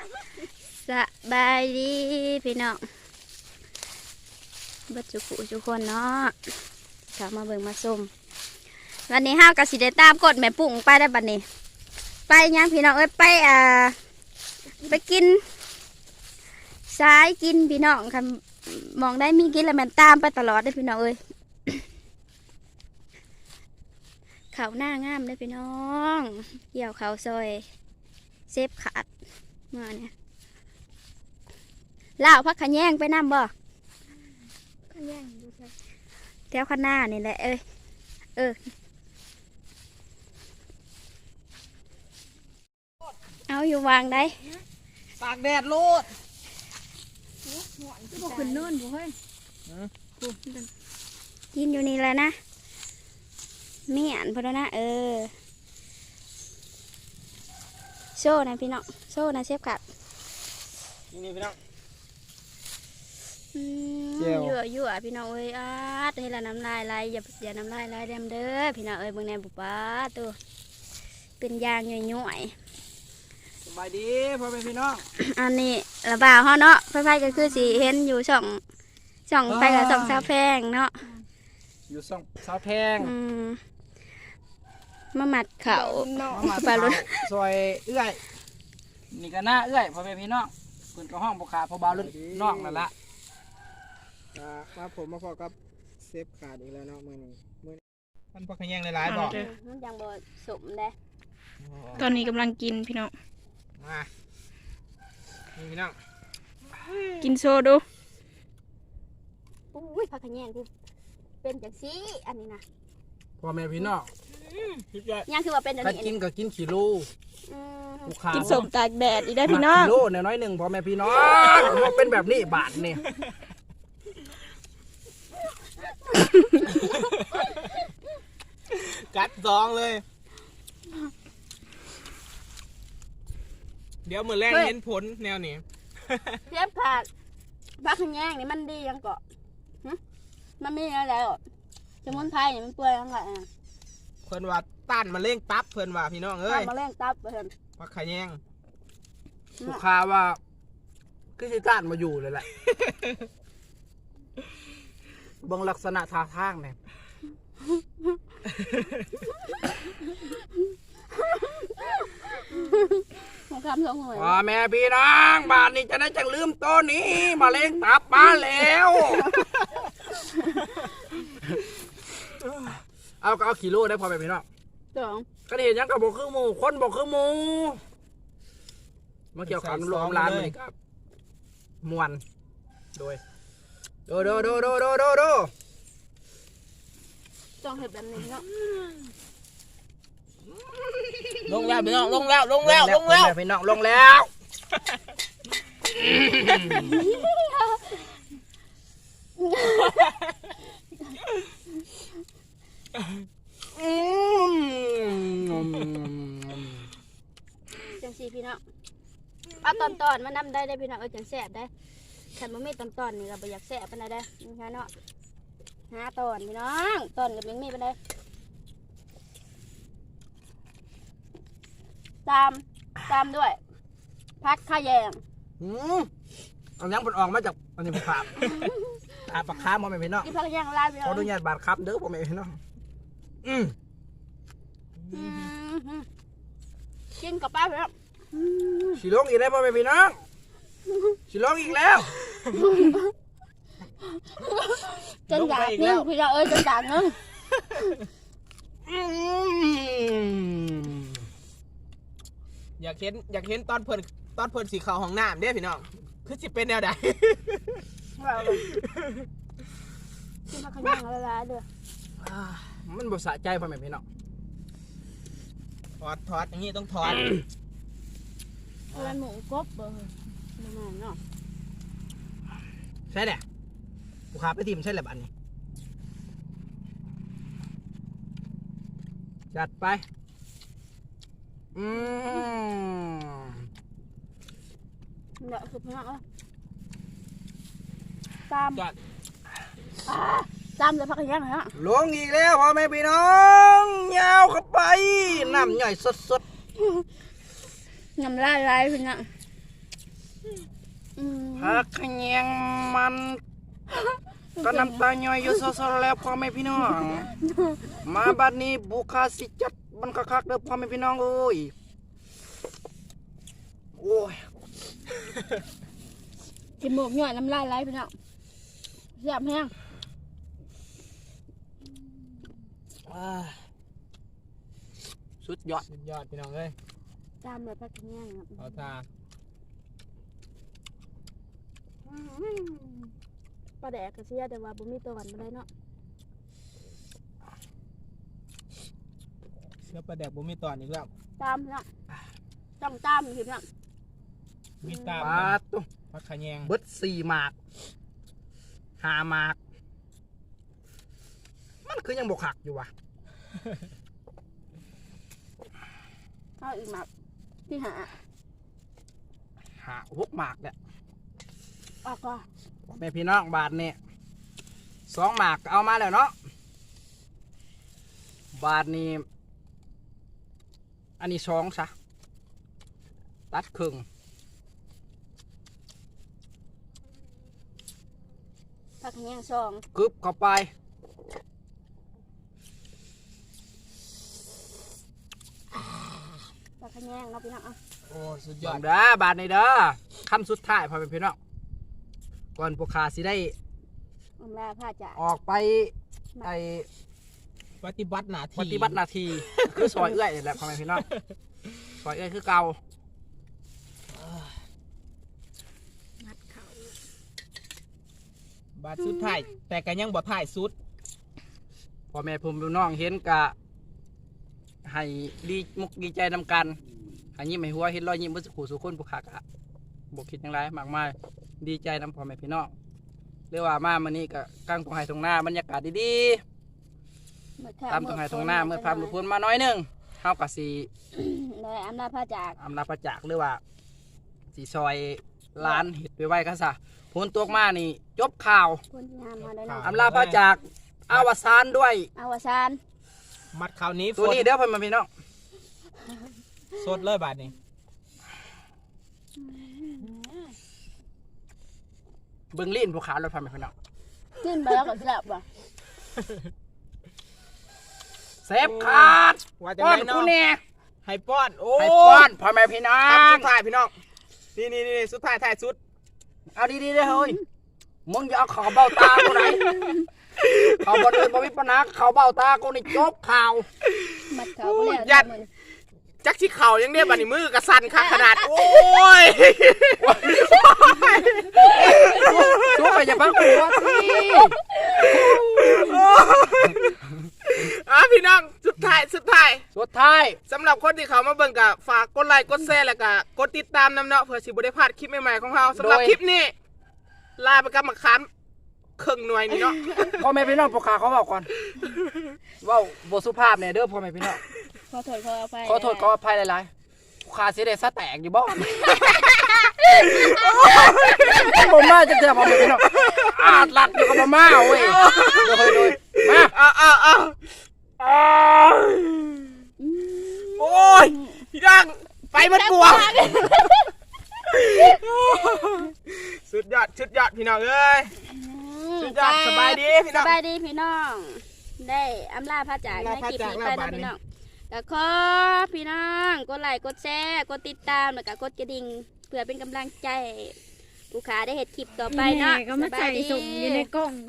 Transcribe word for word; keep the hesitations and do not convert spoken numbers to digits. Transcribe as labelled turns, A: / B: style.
A: สบายดีพี่น้องบัดจุกุทุกคนเนาะกลับมาเบิ่งมาส้มวันนี้ห้าวกับสิเดตามกดแม่ปุ่งไปได้บัดนี้ ไปยังพี่น้องเอ้ยไปอ่าไปกินสายกินพี่น้องค่ะมองได้มีกินแล้วมันตามไปตลอดได้พี่น้องเอ้ย เขาหน้างามเลยพี่น้องเกี่ยวเขาซอยเซฟขาดมาเนี่ยล่าวพักขะแยงไปน้ำบ่ขะแยงดูใช่แถวข้างหน้านี่แหละเอ้ยเออเอาอยู่วางได้
B: ตากแดดโลด
A: พวกขึ้นโน่นบ่เฮ้ยกินอยู่นี่แหละนะเมียนพอแล้วนะเออโซ่นะพี่น้องโซ่นะเชฟกัด
B: นี่พี่น้อง
A: ยั่วยั่วพี่น้องเอ้ยอาดให้ละน้ำลายไหลอย่าอย่าน้ำลายไหลเด้มเด้อพี่น้องเอ้ยเบิ่งแนมบุปผาตัวเป็นยางย่อย
B: ๆสบายดีพ่อแม่พี่น้อง
A: อันนี้ระบาวเฮาเนาะไฟๆก็คือสีเห็นอยู่ช่องช่องไปกับช่องซาแพงเนาะ
B: อยู่ช่องซาแพง
A: มาหมัดเข่า
B: มาปลาลุ่นซอยเอื้อยนี่ก็หน้าเอื้อยพ่อแม่พี่น้องเพิ่นก็ห้องบุคคาพอบาลุ่นน้องนั่นละมาผมมาพอกับเซฟขาดอีกแล้วเนาะมือนี้มือมันพอขยันหลายๆบอก
A: มันยังบ่สมเด้
C: ตอนนี้กำลังกินพี่น้อง
B: มานี่พี่น้อง
C: กินโซดู
A: อุ้ยพักขยันที่เป็นจังซี่อันนี้นะ
B: พ่อแม่พี่น้อง
A: ยังคือว่าเป็นอันนี้
B: กินก็กินขี้โล
C: กินสมตากแดดอีได้พี่น้อง
B: ขี้โลน้อยหนึ่งพ่อแม่พี่น้องเป็นแบบนี้บาทนี่กัดซองเลยเดี๋ยวมือแรกเน้นผลแนวนี้
A: เทียบขาดพักขยันนี่มันดียังเกาะมันมีอะไรอ่ะสมุนไพรนี่มันเปื่อยยังไงอ่ะ
B: เพิ่นว่าต้านมะเร็งตับเพิ่นว่าพี่น้องเอ้ย
A: ต้านมะเร็งตับเพิ่น
B: พักขยันลูกค้าว่าคือสิต้านมาอยู่เลยแหละบางลักษณะท่าทางเนี่ยพ่อแม่พี่น้องบ้านนี้จะได้จังลืมตัวนี้มาเล่งตับมาแล้วเอาก็เอากิโลได้พ่อแม่พี่น้องก็เห็นยังกับบอกคือหมูคนบอกคือหมูมาเกี่ยวกับรวมร้านเลยครับมวนโดยโดโดโดโดโดโดโด
A: จองเห็ดแบบนี้เนาะ
B: ลงแล้วพี่น้องลงแล้วลงแล้วลงแล้วพี่น้องลงแล้ว
A: จังสีพี่น้องเอาตอนตอนมานำได้ได้พี่น้องเออจังแสบได้ขันมันไม่ตอนตอนนี่เราไปอยากแสบไปไหนได้นี่ค่ะเนาะหาตอนพี่น้องตอนกับยังมีไปได้ตามตามด้วยพักข้าแยง
B: อืมเอายังมันออกมาจากอันนี้ผักตาปลาคาร์มอไม่เป็นเนาะ
A: กินพักแยงลาดไป
B: ขออนุญาตบาดครับเด้อผมไม่เป็นเนาะอืม
A: กินกับป้าไปแล้ว
B: สีลงอีกแล้วพ่อแม่พี่น้องสีลงอีกแล้ว
A: จนอยากนึ่งพี่เราเอ้ยจนอยากนึ่ง
B: อยากเห็นอยากเห็นตอนเพิ่นตอนเพิ่นสีขาวของน้ำเด้พี่น้องคือสิเป็นแนวใด
A: กินมาขยันละลายเด้อ
B: มันบ่สะใจพ่อแม่พี่น้องถอดถอดอย่างนี้ต้องถอด
A: เป็นหมูกบเบอร์ประมาณเนาะ
B: ใช่แหละกูขาไปทีมใช่แหละอันนี้จัดไปอืม
A: เดี๋ยวคือพี่น้องตามตามเลยพักกันยังไงฮะ
B: ลงอีกแล้วพ่อแม่พี่น้องยาวเข้าไปน้ำใหญ่สดๆ
A: น้ำลายไหลพี่น้องอืม
B: ผักขะแยงมันก็น้ำตาย่อยอยู่ซอๆแล้วพ่อแม่พี่น้อง มาบัดนี้บุคาสิจัดมันคักๆเด้อพ่อแม่พี่น้องเอ้ยโอ้ย
A: กินหมูหน่อยน้ำลายไหลพี่น้องแซ่บแห้ง
B: อ่าสุดยอด
D: สุดยอดพี่น้องเอ้ย
A: ตามเลยพักกินย่างครับ
D: เอาตา
A: ปลาแดกกระเชียแต่ว่าบ่มีตัวหวานบ่ได้เนาะ
D: เสื้อปลาแดกบ่มีตอนอีกแล้ว
A: ตามเนาะต้องตามพี่น้อง
D: มีตา
B: ปลาตุ้ม
D: ผักขะแยง
B: เบิดสี่หมากห้าหมาก มันคือยังบกหักอยู่วะ
A: เอาอีกหมักที่หา
B: หาหกหมากเนี่ย
A: ออกก็
B: แม่พี่น้องบาทนี่สองหมากเอามาแล้วเนาะบาทนี้อันนี้สองซะตัดครึ่ง
A: พักกินย่างสอง
B: กึบเข้าไป
A: พักกินย่างเนาะพี่น้องเอา
D: โอ้สุดย
B: ย
D: อ
B: อ
D: ด
B: มเด้อบาทนี้เด้อคำสุดท้ายพ่อแม่พี่น้องก่อนพวกข้าสิได้
A: อำลาพาจ่า
B: ออกไปไอ
D: ปฏิบัติหน้าที่
B: ปฏิบัติหน้าที่ คือซอยเอื้อยนี่แหละพ่อแม่พี่น้องซอยเอื้อยคือเก่า
A: มัดเขา
D: บาดสุดท้ายแต่ก็ยังบ่ท้ายสุด
B: พ่อแม่ผมพี่น้องเห็นกะให้ดีมุกดีใจนำกันให้ยิ้มให้หัวเห็นรอยยิ้มเมื่อสักครู่สุคนผู้ขากะบกคิดอย่างไรมากมายดีใจนำพ่อแม่พี่น้องเรียกว่ามามื้อนี้ก็กลางตรงไห้ตรงหน้าบรรยากาศดี
A: เมื่อ
B: ๆตามตรงไห้ตรงหน้าเมื่อพามลุพนมาน้อยหนึงเฮาก็สิ
A: ได้อำลาพาจาก
B: อำลาประจักษ์หรือว่าสิซอยร้านเฮ็ดไว้ๆก็ซะผลตกมานี่จบข่าว
A: คนงานมาได้เนาะ
B: อำลาประจักษ์อาวสานด้วย
A: อาวสาน
D: มัดคราวนี้
B: ตัวนี้เด้อพ่อแม่พี่น้อง
D: สดเลยบาดนี้
B: เบิ่งลิ้นผู้ขารถพ่อแม่พี่น้อง
A: ขึ้นไปแล้วก็แซ่บว่ะ
B: เซฟขาด
D: ว่าจะ
B: ป้อน
D: ได้
B: กู
D: เนาะ
B: แน่
D: ให้ป้อนโอ้
B: ให้ป้อนพ่อแม่พี่น้อ
D: คำ
B: ง
D: สุดท้ายพี่น้องนี่นี่นี่สุดท้ายท้ายสุด
B: เอาดีๆเด้อเฮ้ยมึงอย่าเอาเขาเบ้าตากูไหนเขาบ่เดินบ่มีปัญหาเขาเบ้าตากูนี่จบข่าว
A: มัดเขาบ่แล้ว
D: ยัดจักสิเข่ายังได้บัดนี้มือกระสั่นคักขนาดโอ้ย
B: ช่วยอย่าพักหัวสิ
D: อ่ะพี่น้องสุดท้ายสุดท้าย
B: สุดท้าย
D: สำหรับคนที่เขามาเบิ่งกับฝากกดไลค์กดแชร์แล้วก็กดติดตามนำเนาะเพื่อสิบ่ได้พลาดคลิปใหม่ๆของเราสำหรับคลิปนี้ลาไปกับมาคันครึ่งหน่วยนี่เนาะ
B: พ่อแม่พี่น้องผู้ขาเขาบอกก่อนเว้าบ่สุภาพเนี่ยเด้อพ่อแม่พี่น้อง
A: ขอโทษขออภัย
B: ขอโทษขออภัยหลายๆผู้ขาสิได้ซะแตกอยู่บ่บ่มาจังเทื่อพ่อแม่พี่น้องอาดลัดอยู่กับบ่มาเว้ยโดยโดยมา
D: เอาเอาเอาโอ้ยพี่ดังไปมันกลัวสุดยอดสุดยอดพี่น้องเอ้ย สุดยอดสบายดีพี่น้อง
A: สบายดีพี่น้อง ได้อำลาพาจากใน
D: อำลา
A: คลิป
D: พาจาก
A: นี้ไป
D: แล้ว
A: นะ
D: บาดนี้
A: พี่น้องก็ขอพี่น้องกดไลค์กดแชร์กดติดตามแล้วก็กดกระดิ่งเพื่อเป็นกำลังใจให้ผู้ขาได้เห็นคลิปต่อไปเนาะ
C: ก็มาใส่สุ่มอยู่ในกล่อง